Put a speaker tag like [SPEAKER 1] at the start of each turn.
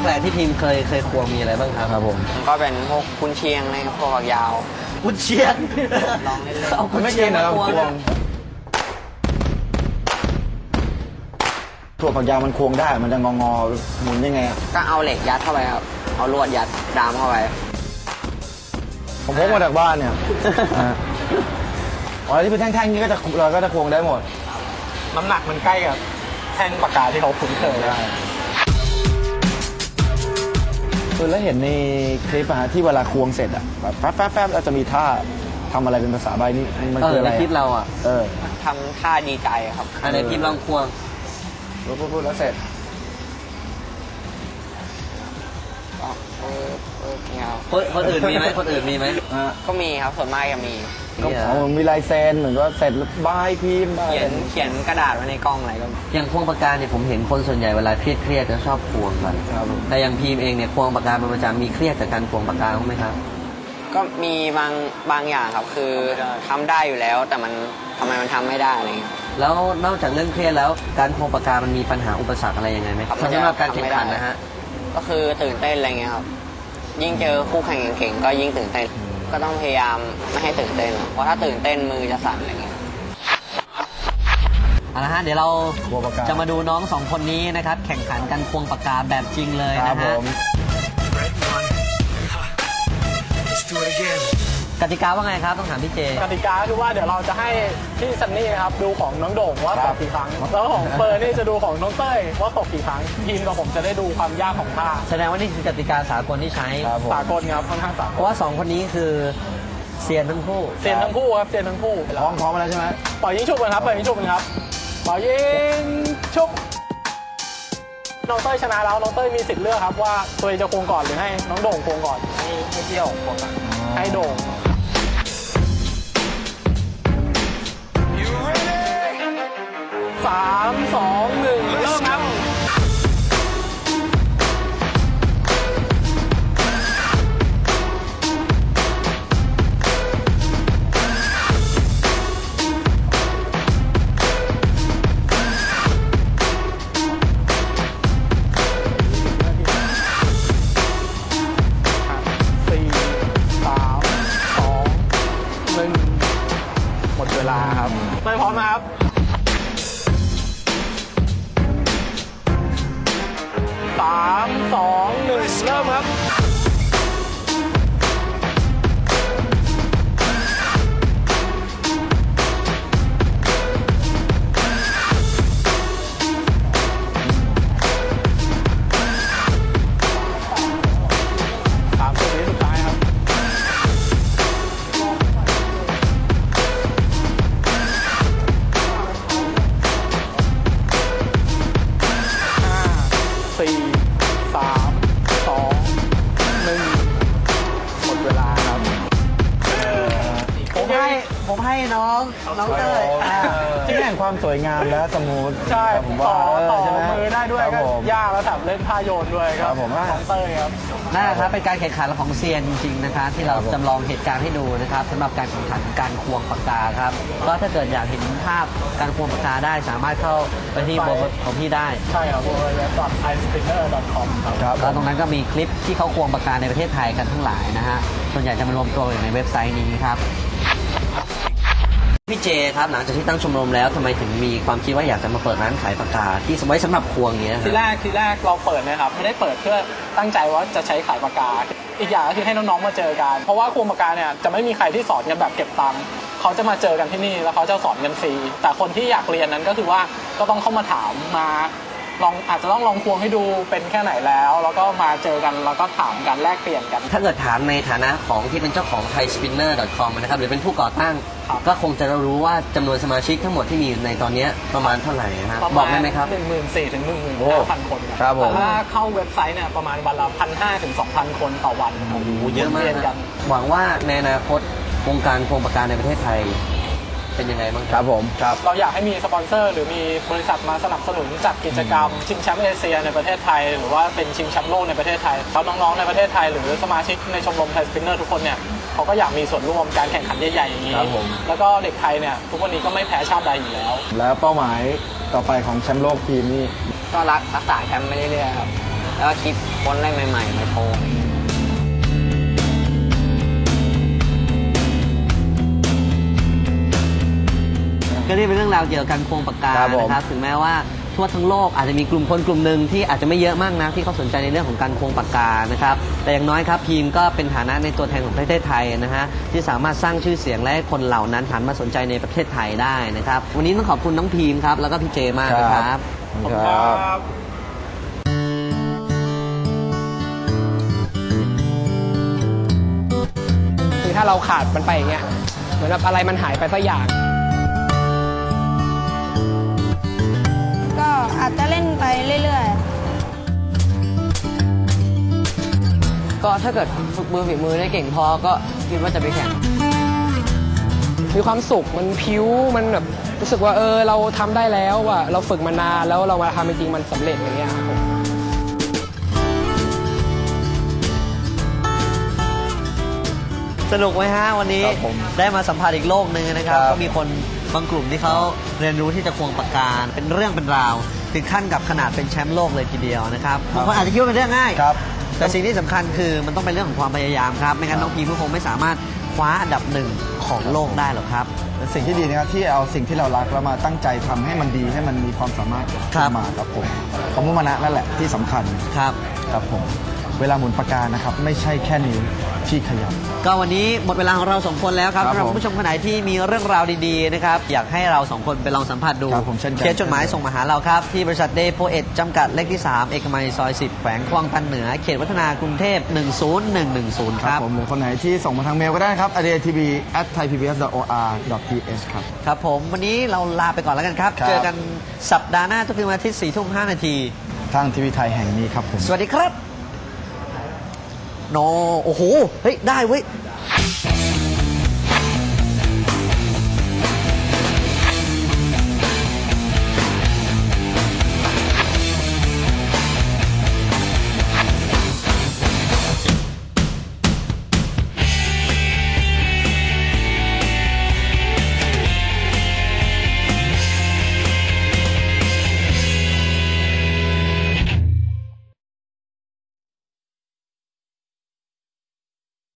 [SPEAKER 1] แปลกที่ทีมเคยควงมีอะไรบ้างครับ
[SPEAKER 2] ครับผม
[SPEAKER 3] ก็เป็นพวกกุนเชียงอะไรพวกยาว
[SPEAKER 1] กุนเชียง
[SPEAKER 3] ลองเล่น
[SPEAKER 1] เอากุนเชียงมาควง
[SPEAKER 2] ถั่วฝักยาวมันควงได้มันจะงอหมุนยังไง
[SPEAKER 3] ก็เอาเหล็กยัดเข้าไปครับเอาลวดยัดดามเข้าไป
[SPEAKER 2] ผมพกมาจากบ้านเนี่ยอ๋อที่เป็นแท่งๆนี้ก็จะเราก็จะควงได้หมด
[SPEAKER 4] น้ำหนักมันใกล้กับแท่งปากกาที่เราคุ้นเคยได้
[SPEAKER 2] คือแล้วเห็นในคลิปอะที่เวลาควงเสร็จอะแบบแฟบแล้วจะมีท่าทำอะไรเป็นภาษาใบนี่มันคืออะไร
[SPEAKER 1] ในคลิปเราอะ
[SPEAKER 3] ทำท่าดีใจครับ
[SPEAKER 1] ในคลิปลองควง
[SPEAKER 2] พูดแล้วเสร็จ
[SPEAKER 1] คนอื่นมีไหมคนอื่นมีไหม
[SPEAKER 3] ก็มีครับส่วนมากจะมี
[SPEAKER 2] ก็มีลายเซ็นเหมือนก็เสร็จบายพิมพ์
[SPEAKER 3] เขียนกระดาษไว้ในกล้องอะไรก็
[SPEAKER 1] อย่างควงปากกาเนี่ยผมเห็นคนส่วนใหญ่เวลาเครียดจะชอบควงกันแต่อย่างพีมเองเนี่ยควงปากกาเป็นประจำมีเครียดจากการควงปากกาไหมครับ
[SPEAKER 3] ก็มีบางอย่างครับคือทำได้อยู่แล้วแต่มันทำไมมันทำไม่ได้อะไรเงี้ย
[SPEAKER 1] แล้วนอกจากเรื่องเครียดแล้วการควงปากกามันมีปัญหาอุปสรรคอะไรยังไงไหมสำหรับการแข่งขันนะฮะ
[SPEAKER 3] ก็คือตื่นเต้นอะไรเงี้ยครับยิ่งเจอคู่แข่งเก่งๆก็ยิ่งตื่นเต้นก็ต้องพยายามไม่ให้ตื่นเต้นเพราะถ้าตื่นเต้นมือจะสั่นอะไรเงี้ย
[SPEAKER 1] เอาละฮะเดี๋ยวเราจะมาดูน้องสองคนนี้นะครับแข่งขันกันควงปากกาแบบจริงเลยนะฮะกติกาว่าไงครับต้องถามพี่เจ
[SPEAKER 4] กติกาคือว่าเดี๋ยวเราจะให้พี่ซันนี่ครับดูของน้องโด่งว่าตกกี่ครั้งแล้วของเฟิร์นนี่จะดูของน้องเต้ยว่าตกกี่ครั้งทีมกับผมจะได้ดูความยากของท่า
[SPEAKER 1] แสดงว่านี่คือกติกาสากลที่ใช้
[SPEAKER 4] สากลครับค่อนข้างสากล
[SPEAKER 1] เพราะว่า2คนนี้คือเซียนทั้งคู่
[SPEAKER 4] ครับเซียนทั้งคู่
[SPEAKER 2] พร้อมมาแล้วใช่ไหม
[SPEAKER 4] ปล่อยยิงชุบกันครับปล่อยยิงชุบกันครับปล่อยยิงชุบน้องเต้ยชนะแล้วน้องเต้ยมีสิทธิ์เลือกครับว่าตัวเองจะควงก่อนหรือให้น้องโด่งควงก่อน
[SPEAKER 3] ให้เที่ยวควงก่อน
[SPEAKER 4] ให้โด่ง3 2 1เริ่มครับหมดเวลาครับไม่พร้อมนะครับ3 2 1เริ่มครับ30 วิสุดท้ายครับ4 3 2 1หมดเวลาครับ
[SPEAKER 1] ผมให้น้องเต้ย
[SPEAKER 2] ที่แห่งความสวยงามและสมูท
[SPEAKER 4] ใช่ต่อมือได้ด้วยก็ยากแล้วแถมเล่นท่าโยนด้วยครับ
[SPEAKER 2] ผม
[SPEAKER 4] น้องเต้ยครับ
[SPEAKER 1] นั่นแหละครับเป็นการแข่งขันของเซียนจริงๆนะคะที่เราจำลองเหตุการณ์ให้ดูนะครับสำหรับการแข่งขันการควงปากกาครับก็ถ้าเกิดอยากเห็นภาพการควงปากกาได้สามารถเข้าไปที่บล็อกของพี่ได้
[SPEAKER 4] ใช่ครับ www.ispinner.com ครับ
[SPEAKER 1] แล้วตรงนั้นก็มีคลิปที่เขาควงปากกาในประเทศไทยกันทั้งหลายนะฮะส่วนใหญ่จะมารวมตัวอยู่ในเว็บไซต์นี้ครับพี่เจครับหลังจากที่ตั้งชมรมแล้วทำไมถึงมีความคิดว่าอยากจะมาเปิดร้านขายปากกาที่ไว้สำหรับควงอย่างเงี้ย
[SPEAKER 4] ทีแรกเราเปิดนะครับไม่ได้เปิดเพื่อตั้งใจว่าจะใช้ขายปากกาอีกอย่างก็คือให้น้องๆมาเจอกันเพราะว่าควงปากกาเนี่ยจะไม่มีใครที่สอนกันแบบเก็บตังค์เขาจะมาเจอกันที่นี่แล้วเขาจะสอนกันฟรีแต่คนที่อยากเรียนนั้นก็คือว่าก็ต้องเข้ามาถามมาอาจจะต้องลองควงให้ดูเป็นแค่ไหนแล้วก็มาเจอกันแล้วก็ถามกันแลกเปลี่ยนกัน
[SPEAKER 1] ถ้าเกิดถามในฐานะของที่เป็นเจ้าของ thaispinner.com นะครับหรือเป็นผู้ก่อตั้งก็คงจะรู้ว่าจำนวนสมาชิกทั้งหมดที่มีในตอนนี้ประมาณเท่าไหร่นะบอกได้ไหมครับ
[SPEAKER 4] 14,000 ถึง 15,000 คน
[SPEAKER 2] ครับผม
[SPEAKER 4] ถ้าเข้าเว็บไซต์เนี่ยประมาณวันละ 1,500 ถึง 2,000 คนต่อวัน
[SPEAKER 1] โอ้โหเยอะมากหวังว่าในอนาคตวงการควงปากกาในประเทศไทยเป็นยังไงบ้าง
[SPEAKER 2] ครับผม
[SPEAKER 4] ครับเราอยากให้มีสปอนเซอร์หรือมีบริษัทมาสนับสนุนจัดกิจกรรมชิงแชมป์เอเชียในประเทศไทยหรือว่าเป็นชิงแชมป์โลกในประเทศไทยแล้วน้องๆในประเทศไทยหรือสมาชิกในชมรมไทยสปินเนอร์ทุกคนเนี่ยเขาก็อยากมีส่วนร่วมการแข่งขันใหญ่ๆอย่างนี้แล้วก็เด็กไทยเนี่ยทุกวันนี้ก็ไม่แพ้ชาติใดอยู่แล้ว
[SPEAKER 2] แล้วเป้าหมายต่อไปของแชมป์โลกทีมนี่
[SPEAKER 3] ก็รักษาแชมป์ไปเรื่อยๆครับแล้วก็คิดค้นอะไรใหม่ๆมาโชว์
[SPEAKER 1] ก็นี่เป็นเรื่องราวเกี่ยวกับการควงปากกา
[SPEAKER 2] ครับผม
[SPEAKER 1] นะครับถึงแม้ว่าทั่วทั้งโลกอาจจะมีกลุ่มคนกลุ่มหนึ่งที่อาจจะไม่เยอะมากนะที่เขาสนใจในเรื่องของการควงปากกานะครับแต่อย่างน้อยครับพีมก็เป็นฐานะในตัวแทนของประเทศไทยนะฮะที่สามารถสร้างชื่อเสียงและให้คนเหล่านั้นหันมาสนใจในประเทศไทยได้นะครับวันนี้ต้องขอบคุณน้องพีมครับแล้วก็พี่เจมากนะครับ
[SPEAKER 2] ครับ
[SPEAKER 5] คือถ้าเราขาดมันไปอย่างเงี้ยเหมือนแบบอะไรมันหายไปสักอย่าง
[SPEAKER 6] ก็อาจจะเล่นไปเรื่อยๆ
[SPEAKER 1] ก็ถ้าเกิดฝึกมือฝีมือได้เก่งพอก็คิดว่าจะไปแข่ง
[SPEAKER 5] มีความสุขมันพิ้วมันแบบรู้สึกว่าเราทำได้แล้วว่ะเราฝึกมานานแล้วเรามาทำจริงๆมันสำเร็จอย่างเงี้ยครับผม
[SPEAKER 1] สนุกไหมฮะวันนี้
[SPEAKER 2] ครับผม
[SPEAKER 1] ได้มาสัมผัสอีกโลกหนึ่งนะครับ
[SPEAKER 2] ครับ
[SPEAKER 1] ก็มีคนบางกลุ่มที่เขาเรียนรู้ที่จะควงปากกาเป็นเรื่องเป็นราวถึงขั้นกับขนาดเป็นแชมป์โลกเลยทีเดียวนะครับบางคนอาจจะคิดว่าเป็นเรื่องง่าย
[SPEAKER 2] ครับ
[SPEAKER 1] แต่สิ่งที่สำคัญคือมันต้องเป็นเรื่องของความพยายามครับไม่งั้นน้องพีมก็คงไม่สามารถคว้าอันดับหนึ่งของโลกได้หรอกครับ
[SPEAKER 2] เป็นสิ่งที่ดีนะครับที่เอาสิ่งที่เรารักแล้วมาตั้งใจทำให้มันดีให้มันมีความสามารถ
[SPEAKER 1] ครับ
[SPEAKER 2] มาครับผมความมุ่งมั่นนั่นแหละที่สำคัญ
[SPEAKER 1] ครับ
[SPEAKER 2] ครับผมเวลาหมุนปากกานะครับไม่ใช่แค่นิ้วที่ขยับ
[SPEAKER 1] ก็วันนี้หมดเวลาของเราสองคนแล้วครับ
[SPEAKER 2] ครับ
[SPEAKER 1] สำหรับคุณผู้ชมคนไหนที่มีเรื่องราวดีๆนะครับอยากให้เราสองคนไปลองสัมผัสดู
[SPEAKER 2] ครับผมเช่นกัน
[SPEAKER 1] เขียนจดหมายส่งมาหาเราครับ ที่บริษัทเดย์โพเอตจำกัดเลขที่ 3 เอกมัยซอย 10 แขวงคลองตันเหนือ เขตวัฒนากรุงเทพ 10110
[SPEAKER 2] ค
[SPEAKER 1] ค
[SPEAKER 2] รั
[SPEAKER 1] รั
[SPEAKER 2] บบ ผมหรือคนไหนที่ส่งมาทางเมลก็ได้ครับ adatv@thaipbs.or.th ครับ
[SPEAKER 1] ครับผมวันนี้เราลาไปก่อนแล้วกันครับ
[SPEAKER 2] ครับ
[SPEAKER 1] เจอกันสัปดาห์หน้าทุกคืนวันอาทิตย์ 4:05 นาที
[SPEAKER 2] ทางทีวีไทยแห่งนี้ครับผม
[SPEAKER 1] สวัสดีครับโนโอ้โหเฮ้ยได้เว้ย